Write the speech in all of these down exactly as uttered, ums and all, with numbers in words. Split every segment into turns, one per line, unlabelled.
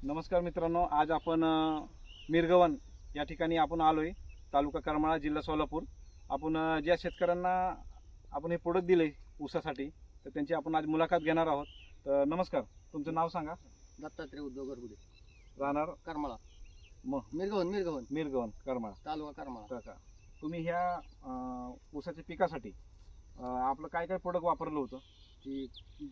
नमस्कार मित्रांनो, आज आपण अ, मिरगवन या ठिकाणी आपण आलोय, तालुका करमाळा, जिल्हा सोलापूर. आपण अ, ज्या शेतकऱ्यांना आपण हे प्रोडक्ट दिले ऊसासाठी, तर त्यांची आपण आज मुलाखत घेणार आहोत. तर नमस्कार, तुमचं नाव सांगा.
दत्तात्रय उद्धव गरगुडे,
राहणार
करमाळा.
मग
मिरगवन मिरगवन
मिरगवन करमाळा.
तालुका करमाळा.
काका, तुम्ही ह्या अ, ऊसाच्या पिकासाठी अ, आपलं काय काय प्रोडक्ट वापरलं होतं?
ही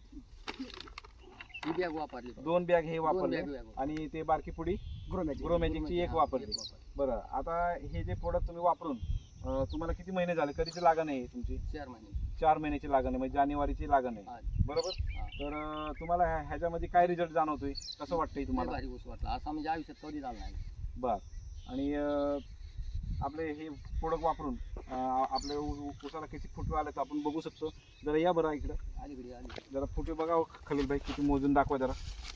ही बॅग वापरली.
दोन बॅग हे
दोन
वापरले
बॅग बॅग
आणि ते बारकी पुडी
ग्रोमॅजिक
ग्रोमॅजिकची एक वापरली. बरं, आता हे जे प्रोडक्ट तुम्ही वापरून अ, तुम्हाला किती महिने झाले? कधीची लागण आहे तुमची?
चार महिने.
चार महिन्याची लागण आहे, म्हणजे जानेवारीची लागण आहे,
हा.
बरोबर?
हा.
तर अ, तुम्हाला ह्या- ह्याच्यामध्ये काय रिझल्ट जाणवतोय, कसं वाटतंय
लय
तुम्हाला?
भारी ऊस वाटला, असा म्हणजे आयुष्यात कधी झाला नाही.
बर. आणि अ, आपले हे प्रोडक्ट वापरून अ, आपल्या ऊ- ऊसाला किती फुटवे आले तर आपण बघू शकतो. जरा या बरं इकडं,
अलीकडे आली.
जरा फुटवे बघा हो, खलील भाई, किती मोजून दाखवा जरा.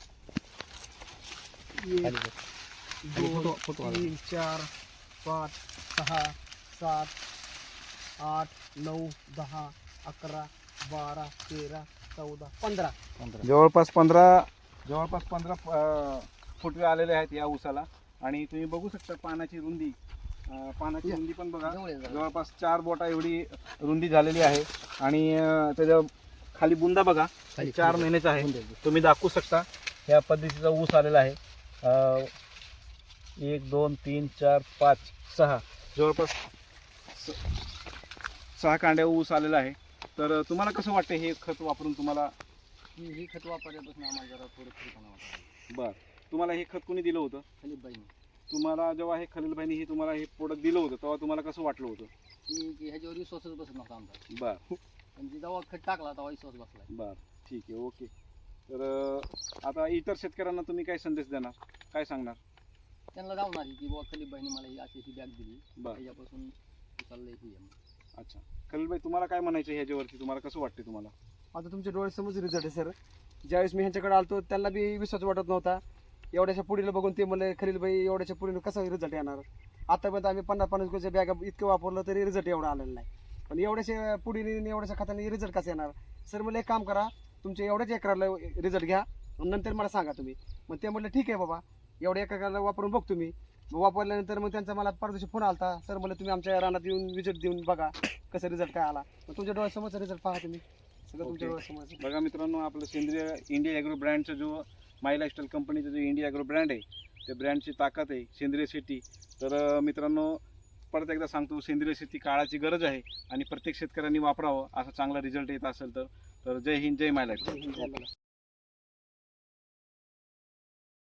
दोन, तीन, चार, पाच, सहा, सात, आठ, नऊ, दहा, अकरा, बारा, तेरा, चौदा, पंधरा.
जवळपास पंधरा जवळपास पंधरा अ, फुटवे आलेले आहेत या ऊसाला. आणि तुम्ही बघू शकता पानाची रुंदी, अ, पानाची
या.
रुंदी पण बघा,
जवळ आहे जरा.
जवळपास चार बोटा एवढी रुंदी झालेली आहे. आणि अ, त्याच्या खाली बुंदा बघा,
खाली-
चार
खाली.
महिन्याचा आहे.
बुंदा आहे.
तुम्ही दाखवू शकता ह्या पद्धतीचा ऊस आलेला आहे. अ, एक दोन तीन चार पाच सहा, जवळपास स- सहा कांड्या ऊस आलेला आहे. तर तुम्हाला कसं वाटतं हे खत वापरून? तुम्हाला
ही ही खत वापरल्यापासून आम्हाला जरा थोडं फ्रीपणा वाटला.
बर, तुम्हाला हे खत कोणी दिलं होतं?
खाली बाईने
तुम्हाला जेव्हा हे खलीलबाईंनी हे तुम्हाला हे प्रोडक्ट दिलं होतं तेव्हा तुम्हाला कसं वाटलं होतं?
की की ह्याच्यावर विश्वासच बसत नव्हता आमचा.
बर
पण जेव्हा खत टाकला तेव्हा विश्वास बसलाय.
बर, ठीक आहे, ओके. तर अ, आता इतर शेतकऱ्यांना तुम्ही काय संदेश देणार, काय सांगणार?
त्यांना जाऊन की बाबा खलील बाईने मला ही अशी ही बॅग दिली,
बर,
त्याच्यापासून चाललंय ही आहे.
अच्छा. खलीलबाई, तुम्हाला काय म्हणायचं ह्याच्यावरती? तुम्हाला कसं वाटते तुम्हाला?
आता तुमच्या डोळ्यासमोर रिझल्ट आहे सर. ज्यावेळेस मी ह्यांच्याकडे आलतो त्यांना बी विश्वास वाटत नव्हता. एवढ्याच्या पुढीला बघून ते म्हणले खलीलबाई एवढ्याच्या पुढीला कसा रिझल्ट येणार. आतापर्यंत आम्ही पन्नास पन्नास किलोच्या बॅगा इतकं वापरलं तरी रिझल्ट एवढा आलेला नाही. पण एवढ्याच्या पुढीने आणि एवढ्याच्या खताने रिझल्ट कसा येणार? सर मला एक काम करा, तुमच्या एवढ्याच एकराला रिझल्ट घ्या आणि नंतर मला सांगा तुम्ही. मग ते म्हटलं ठीक आहे बाबा, एवढ्या एकराला वापरून बघतो मी. मग वापरल्यानंतर मग त्यांचा मला परदेशी फोन आलता, सर मला तुम्ही आमच्या रानात येऊन विजिट देऊन बघा कसं रिझल्ट काय आला. मग तुमच्या डोळ्यासमोरचा रिझल्ट पहा तुम्ही, सगळं तुमच्या
ओके.
डोळ्यासमोर.
बघा मित्रांनो, आपलं सेंद्रिय इंडिया ॲग्रो ब्रँडचा जो माय लाईफस्टाईल कंपनीचा जो इंडिया ॲग्रो ब्रँड आहे, त्या ब्रँडची ताकद आहे सेंद्रिय शेती. तर अ, मित्रांनो, परत एकदा सांगतो, सेंद्रिय शेती काळाची गरज आहे आणि प्रत्येक शेतकऱ्यांनी वापरावं. असा चांगला रिझल्ट येत असेल तर. तर जय हिंद, जय माय लाईफस्टाईल.